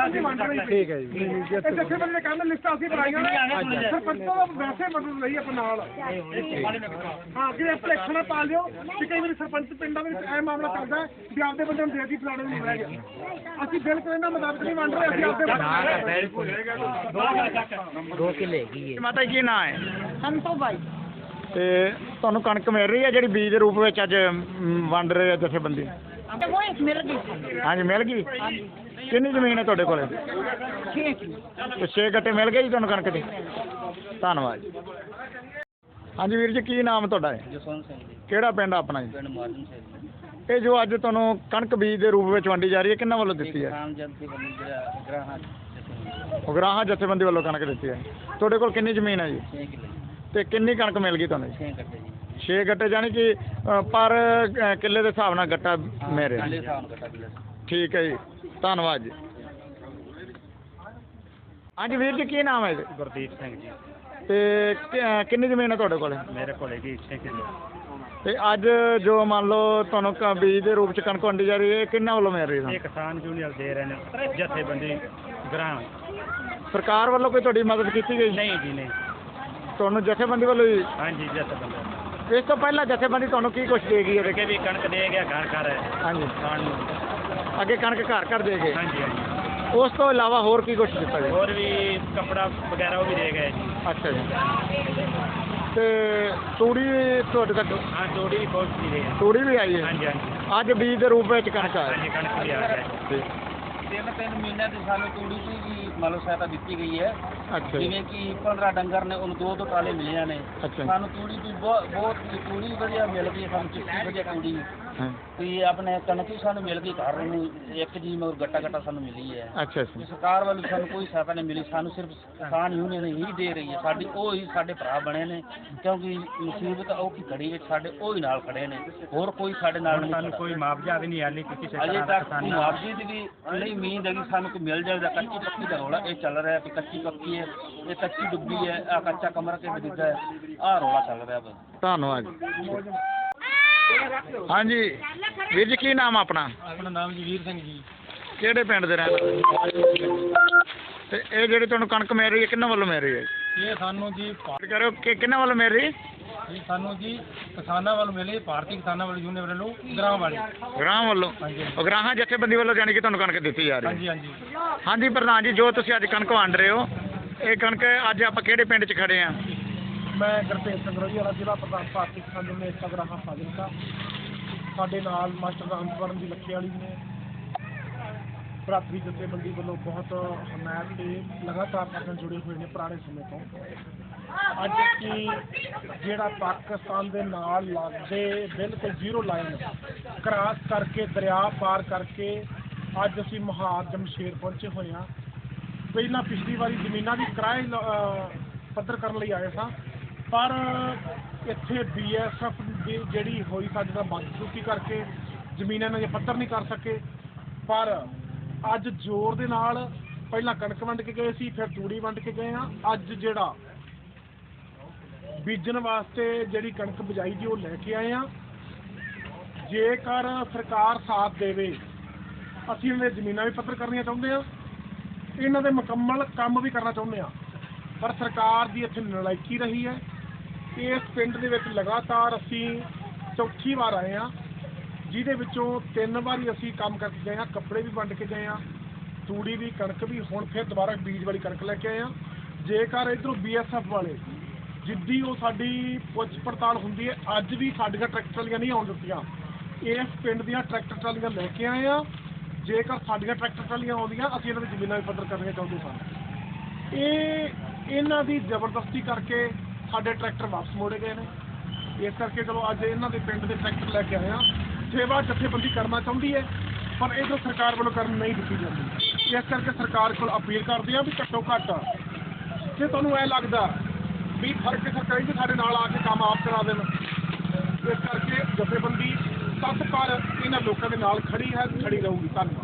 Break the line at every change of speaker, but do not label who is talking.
ਨਹੀਂ ਵੰਡ ਰਹੀ।
ਠੀਕ ਹੈ ਜੀ।
ਇਹ ਜਥੇਬੰਦੀ ਨੇ ਕਹਿੰਦੇ ਲਿਸਟਾਂ ਅਸੀਂ ਬਣਾਈਆਂ ਨੇ, ਸਰਪੰਚਾਂ ਦਾ ਵੈਸੇ ਮਦਦ ਲਈ ਆਪਾਂ ਨਾਲ। ਹਾਂ ਕਿ ਇਲੈਕਸ਼ਨ ਪਾ ਲਿਓ ਕਿ ਕਈ ਵਾਰੀ ਸਰਪੰਚ ਪਿੰਡਾਂ ਵਿੱਚ ਇਹ ਮਾਮਲਾ ਚੱਲਦਾ ਵੀ ਆਪਦੇ ਬੰਦੇ ਨੂੰ ਦੇ ਦੀ ਫਲਾਣੇ ਨੂੰ ਰਹਿ ਗਿਆ। ਅਸੀਂ ਬਿਲਕੁਲ ਇਹਨਾਂ ਮੁਤਾਬਕ ਨਹੀਂ ਵੰਡ ਰਹੇ, ਅਸੀਂ ਆਪਦੇ
ਦੋ ਕਿੱਲੇ ਹੈਗੀ ਹੈ।
ਮਾਤਾ ਜੀ ਕੀ ਨਾਂ ਹੈ?
ਸੰਤੋ ਬਾਈ
ਤੇ ਤੁਹਾਨੂੰ ਕਣਕ ਮਿਲ ਰਹੀ ਹੈ ਜਿਹੜੀ ਬੀਜ ਦੇ ਰੂਪ ਵਿੱਚ ਅੱਜ ਵੰਡ ਰਹੇ ਆ ਜਥੇਬੰਦੀ?
ਉਹ ਇੱਕ ਮਿਲ ਗਈ।
ਹਾਂਜੀ ਮਿਲ ਗਈ। ਕਿੰਨੀ ਜ਼ਮੀਨ ਹੈ ਤੁਹਾਡੇ ਕੋਲੇ?
6 ਕੀ
ਤੇ 6 ਗੱਟੇ ਮਿਲ ਗਏ ਜੀ ਤੁਹਾਨੂੰ ਕਣਕ ਦੇ? ਧੰਨਵਾਦ ਜੀ। ਹਾਂਜੀ ਵੀਰ ਜੀ ਕੀ ਨਾਮ ਤੁਹਾਡਾ ਹੈ?
ਜਸਵੰਤ ਸਿੰਘ ਜੀ,
ਕਿਹੜਾ ਪਿੰਡ ਆਪਣਾ ਜੀ?
ਪਿੰਡ ਮਾਰਨ ਸਿੰਘ।
ਇਹ ਜੋ ਅੱਜ ਤੁਹਾਨੂੰ ਕਣਕ ਬੀਜ ਦੇ ਰੂਪ ਵਿੱਚ ਵੰਡੀ ਜਾ ਰਹੀ ਹੈ ਕਿਹਨਾਂ ਵੱਲੋਂ ਦਿੱਤੀ ਹੈ?
ਕਿਸਾਨ ਜਥੇਬੰਦੀ ਜਿਹੜਾ ਗ੍ਰਾਹਾਂ
ਉਗਰਾਹਾਂ ਜਥੇਬੰਦੀ ਵੱਲੋਂ ਕਣਕ ਦਿੱਤੀ ਹੈ। ਤੁਹਾਡੇ ਕੋਲ ਕਿੰਨੀ ਜ਼ਮੀਨ ਹੈ ਜੀ?
6 ਕਿੱਲੇ
ਤੇ ਕਿੰਨੀ ਕਣਕ ਮਿਲ ਗਈ ਤੁਹਾਨੂੰ?
6 ਗੱਟੇ ਜੀ।
6 ਗੱਟੇ ਯਾਨੀ ਕਿ ਪਰ ਕਿੱਲੇ ਦੇ ਹਿਸਾਬ ਨਾਲ ਗੱਟਾ ਮੇਰੇ?
ਕਿੱਲੇ ਹਿਸਾਬ ਨਾਲ ਗੱਟਾ ਕਿੱਲੇ।
ਠੀਕ ਹੈ ਜੀ, ਧੰਨਵਾਦ ਜੀ। ਹਾਂਜੀ ਵੀਰ ਜੀ ਕੀ ਨਾਮ ਹੈ ਜੀ?
ਗੁਰਦੀਪ ਸਿੰਘ ਜੀ।
ਤੇ ਕਿੰਨੀ ਜ਼ਮੀਨ ਹੈ ਤੁਹਾਡੇ ਕੋਲ?
ਮੇਰੇ ਕੋਲ ਹੈਗੀ 6 ਕਿੱਲੇ।
ਤੇ ਅੱਜ ਜੋ ਮੰਨ ਲਓ ਤੁਹਾਨੂੰ ਬੀਜ ਦੇ ਰੂਪ ਚ ਕਣਕ ਵੰਡੀ ਜਾ ਰਹੀ ਹੈ ਕਿੰਨਾਂ ਵੱਲੋਂ ਮਿਲ ਰਹੀ ਹੈ?
ਇਹ ਕਿਸਾਨ ਯੂਨੀਅਨ ਦੇ ਰਹੇ ਨੇ ਜਥੇਬੰਦੀ ਗ੍ਰਾਮ।
ਸਰਕਾਰ ਵੱਲੋਂ ਕੋਈ ਤੁਹਾਡੀ ਮਦਦ ਕੀਤੀ ਗਈ?
ਨਹੀਂ ਜੀ ਨਹੀਂ।
ਤੁਹਾਨੂੰ ਜਥੇਬੰਦੀ ਵੱਲੋਂ ਹੀ?
ਹਾਂਜੀ ਜਥੇਬੰਦੀ।
ਇਸ ਤੋਂ ਪਹਿਲਾਂ ਜਥੇਬੰਦੀ ਤੁਹਾਨੂੰ ਕੀ ਕੁਛ ਦੇ ਗਈ ਹੈ?
ਅੱਗੇ ਵੀ ਕਣਕ ਦੇ ਗਿਆ ਘਰ ਘਰ
ਹਾਂਜੀ,
ਖਾਣ ਨੂੰ।
ਅੱਗੇ ਕਣਕ ਘਰ ਘਰ ਦੇ ਗਏ।
ਹਾਂਜੀ ਹਾਂਜੀ।
ਉਸ ਤੋਂ ਇਲਾਵਾ ਹੋਰ ਕੀ ਕੁਛ ਦਿੱਤਾ ਜੀ?
ਹੋਰ ਵੀ ਕੱਪੜਾ ਵਗੈਰਾ ਉਹ ਵੀ ਦੇ ਗਏ ਜੀ।
ਅੱਛਾ ਜੀ। ਤੇ ਤੂੜੀ ਤੁਹਾਡੇ ਤੱਕ?
ਹਾਂ ਜੋੜੀ ਵੀ ਪਹੁੰਚ ਰਹੀ ਹੈ।
ਤੂੜੀ ਵੀ ਆਈ ਹੈ?
ਹਾਂਜੀ ਹਾਂਜੀ।
ਅੱਜ ਬੀਜ ਦੇ ਰੂਪ ਵਿੱਚ ਕਣਕ ਆਈ?
ਹਾਂਜੀ ਕਣਕ ਵੀ ਆ ਗਿਆ।
3 ਮਹੀਨਿਆਂ ਦੀ ਸਾਨੂੰ ਤੂੜੀ ਦੀ ਵੀ ਮੰਨ ਲਓ ਸਹਾਇਤਾ ਦਿੱਤੀ ਗਈ ਹੈ।
ਅੱਛਾ ਜੀ।
ਜਿਵੇਂ ਕਿ 15 ਡੰਗਰ ਨੇ ਉਹਨੂੰ 2 ਟਰਾਲੇ ਮਿਲੇ ਨੇ।
ਅੱਛਾ।
ਸਾਨੂੰ ਤੂੜੀ ਦੀ ਬਹੁਤ ਤੂੜੀ ਵਧੀਆ ਮਿਲ ਗਈ, ਸਾਨੂੰ ਚਿੱਟੀ ਵਧੀਆ ਤੂੜੀ।
ਹਾਂ।
ਤੇ ਆਪਣੇ ਕਣਕ ਵੀ ਸਾਨੂੰ ਮਿਲ ਗਈ ਘਰ ਨੂੰ 1 ਜੀ ਮਗਰ ਗੱਟਾ ਸਾਨੂੰ ਮਿਲੀ ਹੈ।
ਅੱਛਾ ਅੱਛਾ।
ਸਰਕਾਰ ਵੱਲੋਂ ਸਾਨੂੰ ਕੋਈ ਸਹਾਇਤਾ ਨਹੀਂ ਮਿਲੀ, ਸਾਨੂੰ ਸਿਰਫ ਕਿਸਾਨ ਯੂਨੀਅਨ ਹੀ ਦੇ ਰਹੀ ਹੈ। ਸਾਡੀ ਉਹ ਹੀ ਸਾਡੇ ਭਰਾ ਬਣੇ ਨੇ, ਕਿਉਂਕਿ ਮੁਸੀਬਤ ਔਖੀ ਘੜੀ ਵਿੱਚ ਸਾਡੇ ਉਹ ਹੀ ਨਾਲ ਖੜੇ ਨੇ, ਹੋਰ ਕੋਈ ਸਾਡੇ ਨਾਲ ਨਹੀਂ।
ਸਾਨੂੰ ਕੋਈ ਮੁਆਵਜ਼ਾ ਵੀ ਨਹੀਂ ਹਾਲੇ ਕਿਸੇ
ਅਜੇ
ਤਰ੍ਹਾਂ ਦਾ
ਤੱਕ
ਕਿਸਾਨੀ।
ਮੁਆਵਜ਼ੇ ਦੀ ਵੀ ਨਹੀਂ ਉਮੀਦ ਹੈ ਕਿ ਸਾਨੂੰ ਕੋਈ ਮਿਲ ਜਾਵੇਗਾ। ਕੱਚੀ ਪੱਕੀ ਦਾ ਰੌਲਾ ਇਹ ਚੱਲ ਰਿਹਾ ਕਿ ਕੱਚੀ ਪੱਕੀ ਹੈ, ਇਹ ਕੱਚੀ ਡੁੱਬੀ ਹੈ, ਆ ਕੱਚਾ ਕਮਰਾ ਕੇ ਡਿੱਗਾ ਹੈ, ਆਹ ਰੌਲਾ ਚੱਲ ਰਿਹਾ ਬਸ।
ਧੰਨਵਾਦ ਜੀ। ਹਾਂਜੀ ਵੀਰ ਜੀ ਕੀ ਨਾਮ ਆਪਣਾ?
ਆਪਣਾ ਨਾਮ ਜੀ ਵੀਰ ਸਿੰਘ ਜੀ।
ਕਿਹੜੇ ਪਿੰਡ ਦੇ ਰਹਿਣ ਵਾਲੇ? ਤੇ ਇਹ ਜਿਹੜੀ ਤੁਹਾਨੂੰ ਕਣਕ ਮਿਲ ਰਹੀ ਹੈ ਕਿਹਨਾਂ ਵੱਲੋਂ ਮਿਲ ਰਹੀ ਹੈ?
ਇਹ ਸਾਨੂੰ ਜੀ
ਕਰੋ ਕਿ ਕਿਹਨਾਂ ਵੱਲੋਂ ਮਿਲ ਰਹੀ?
ਇਹ ਸਾਨੂੰ ਜੀ ਕਿਸਾਨਾਂ ਵੱਲੋਂ ਮਿਲੇ, ਭਾਰਤੀ ਕਿਸਾਨਾਂ ਵੱਲੋਂ ਯੂਨੀਅਨ ਵੱਲੋਂ ਗ੍ਰਾਮ ਵਾਲੀ।
ਗ੍ਰਾਮ ਵੱਲੋਂ?
ਹਾਂਜੀ
ਉਗਰਾਹਾਂ ਜਥੇਬੰਦੀ ਵੱਲੋਂ ਜਾਣੀ ਕਿ ਤੁਹਾਨੂੰ ਕਣਕ ਦਿੱਤੀ ਜਾ ਰਹੀ ਹੈ?
ਹਾਂਜੀ ਹਾਂਜੀ।
ਹਾਂਜੀ ਪ੍ਰਧਾਨ ਜੀ ਜੋ ਤੁਸੀਂ ਅੱਜ ਕਣਕ ਵੰਡ ਰਹੇ ਹੋ ਇਹ ਕਣਕ ਅੱਜ ਆਪਾਂ ਕਿਹੜੇ ਪਿੰਡ 'ਚ ਖੜੇ ਆ?
ਮੈਂ ਗੁਰਤੇਜ ਸਿੰਘ ਰੋਹੀ ਵਾਲਾ ਜ਼ਿਲ੍ਹਾ ਪ੍ਰਧਾਨ ਭਾਰਤੀ ਕਿਸਾਨ ਯੂਨੀਅਨ ਏਕਤਾ ਗ੍ਰਾਹਾਂ ਫਾਜ਼ਿਲਕਾ। ਸਾਡੇ ਨਾਲ ਮਾਸਟਰ ਰਾਮਪੁਰਨ ਦੀ ਲੱਖੇ ਵਾਲੀ ਨੇ ਭਰਾਤਰੀ ਜਥੇਬੰਦੀ ਵੱਲੋਂ ਬਹੁਤ ਹਮਾਇਤ ਤੇ ਲਗਾਤਾਰ ਨਾਲ ਜੁੜੇ ਹੋਏ ਨੇ ਪੁਰਾਣੇ ਸਮੇਂ ਤੋਂ। ਅੱਜ ਕੀ ਜਿਹੜਾ ਪਾਕਿਸਤਾਨ ਦੇ ਨਾਲ ਲੱਗਦੇ ਬਿਲਕੁਲ ਜ਼ੀਰੋ ਲਾਈਨ ਕ੍ਰਾਸ ਕਰਕੇ ਦਰਿਆ ਪਾਰ ਕਰਕੇ ਅੱਜ ਅਸੀਂ ਮੁਹਾਰ ਜਮਸ਼ੇਰ ਪਹੁੰਚੇ ਹੋਏ ਹਾਂ। ਪਹਿਲਾਂ ਪਿਛਲੀ ਵਾਰੀ ਜ਼ਮੀਨਾਂ ਦੀ ਕਿਰਾਏ ਪੱਧਰ ਕਰਨ ਲਈ ਆਏ ਸਾਂ, ਪਰ ਇੱਥੇ BSF ਦੀ ਜਿਹੜੀ ਹੋਈ ਸਾਡੇ ਨਾਲ ਬਦਸਲੂਕੀ ਕਰਕੇ ਜ਼ਮੀਨਾਂ ਨੇ ਪੱਧਰ ਨਹੀਂ ਕਰ ਸਕੇ। ਪਰ ਅੱਜ ਜ਼ੋਰ ਦੇ ਨਾਲ ਪਹਿਲਾਂ ਕਣਕ ਵੰਡ ਕੇ ਗਏ ਸੀ, ਫਿਰ ਤੂੜੀ ਵੰਡ ਕੇ ਗਏ ਹਾਂ। ਅੱਜ ਜਿਹੜਾ ਬੀਜਣ ਵਾਸਤੇ ਜਿਹੜੀ ਕਣਕ ਬਜਾਈ ਦੀ ਉਹ ਲੈ ਕੇ ਆਏ ਹਾਂ। ਜੇਕਰ ਸਰਕਾਰ ਸਾਥ ਦੇਵੇ ਅਸੀਂ ਇਹਨਾਂ ਦੀਆਂ ਜ਼ਮੀਨਾਂ ਵੀ ਪੱਧਰ ਕਰਨੀਆਂ ਚਾਹੁੰਦੇ ਹਾਂ, ਇਹਨਾਂ ਦੇ ਮੁਕੰਮਲ ਕੰਮ ਵੀ ਕਰਨਾ ਚਾਹੁੰਦੇ ਹਾਂ। ਪਰ ਸਰਕਾਰ ਦੀ ਇੱਥੇ ਨਲਾਇਕੀ ਰਹੀ ਹੈ। ਇਸ ਪਿੰਡ ਦੇ ਵਿੱਚ ਲਗਾਤਾਰ ਅਸੀਂ ਚੌਥੀ ਵਾਰ ਆਏ ਹਾਂ, ਜਿਹਦੇ ਵਿੱਚੋਂ 3 ਵਾਰੀ ਅਸੀਂ ਕੰਮ ਕਰਕੇ ਗਏ ਹਾਂ, ਕੱਪੜੇ ਵੀ ਵੰਡ ਕੇ ਗਏ ਹਾਂ, ਤੂੜੀ ਵੀ ਕਣਕ ਵੀ, ਹੁਣ ਫਿਰ ਦੁਬਾਰਾ ਬੀਜ ਵਾਲੀ ਕਣਕ ਲੈ ਕੇ ਆਏ ਹਾਂ। ਜੇਕਰ ਇੱਧਰੋਂ BSF ਵਾਲੇ ਜਿੱਦੀ ਉਹ ਸਾਡੀ ਪੁੱਛ ਪੜਤਾਲ ਹੁੰਦੀ ਹੈ, ਅੱਜ ਵੀ ਸਾਡੀਆਂ ਟਰੈਕਟਰ ਟਰਾਲੀਆਂ ਨਹੀਂ ਆਉਣ ਦਿੱਤੀਆਂ। ਇਸ ਪਿੰਡ ਦੀਆਂ ਟਰੈਕਟਰ ਟਰਾਲੀਆਂ ਲੈ ਕੇ ਆਏ ਹਾਂ। ਜੇਕਰ ਸਾਡੀਆਂ ਟਰੈਕਟਰ ਟਰਾਲੀਆਂ ਆਉਂਦੀਆਂ ਅਸੀਂ ਇਹਨਾਂ ਦੀ ਜ਼ਮੀਨਾਂ ਵੀ ਪੱਧਰ ਕਰਨੀਆਂ ਚਾਹੁੰਦੇ ਸਨ। ਇਹਨਾਂ ਦੀ ਜ਼ਬਰਦਸਤੀ ਕਰਕੇ ਸਾਡੇ ਟਰੈਕਟਰ ਵਾਪਸ ਮੋੜੇ ਗਏ ਨੇ। ਇਸ ਕਰਕੇ ਚਲੋ ਅੱਜ ਇਹਨਾਂ ਦੇ ਪਿੰਡ ਦੇ ਟਰੈਕਟਰ ਲੈ ਕੇ ਆਏ ਹਾਂ। ਸੇਵਾ ਜਥੇਬੰਦੀ ਕਰਨਾ ਚਾਹੁੰਦੀ ਹੈ, ਪਰ ਇੱਧਰੋਂ ਸਰਕਾਰ ਵੱਲੋਂ ਕਰਨ ਨਹੀਂ ਦਿੱਤੀ ਜਾਂਦੀ। ਇਸ ਕਰਕੇ ਸਰਕਾਰ ਕੋਲ ਅਪੀਲ ਕਰਦੇ ਹਾਂ ਵੀ ਘੱਟੋ ਘੱਟ ਜੇ ਤੁਹਾਨੂੰ ਇਹ ਲੱਗਦਾ ਵੀ ਫਰਕ ਸਰਕਾਰੀ ਦੇ ਸਾਡੇ ਨਾਲ ਆ ਕੇ ਕੰਮ ਆਪ ਕਰਾ ਦੇਣ, ਇਸ ਕਰਕੇ ਜਥੇਬੰਦੀ ਤੱਤ ਪਰ ਇਹਨਾਂ ਲੋਕਾਂ ਦੇ ਨਾਲ ਖੜੀ ਹੈ, ਖੜੀ ਰਹੂਗੀ। ਧੰਨਵਾਦ।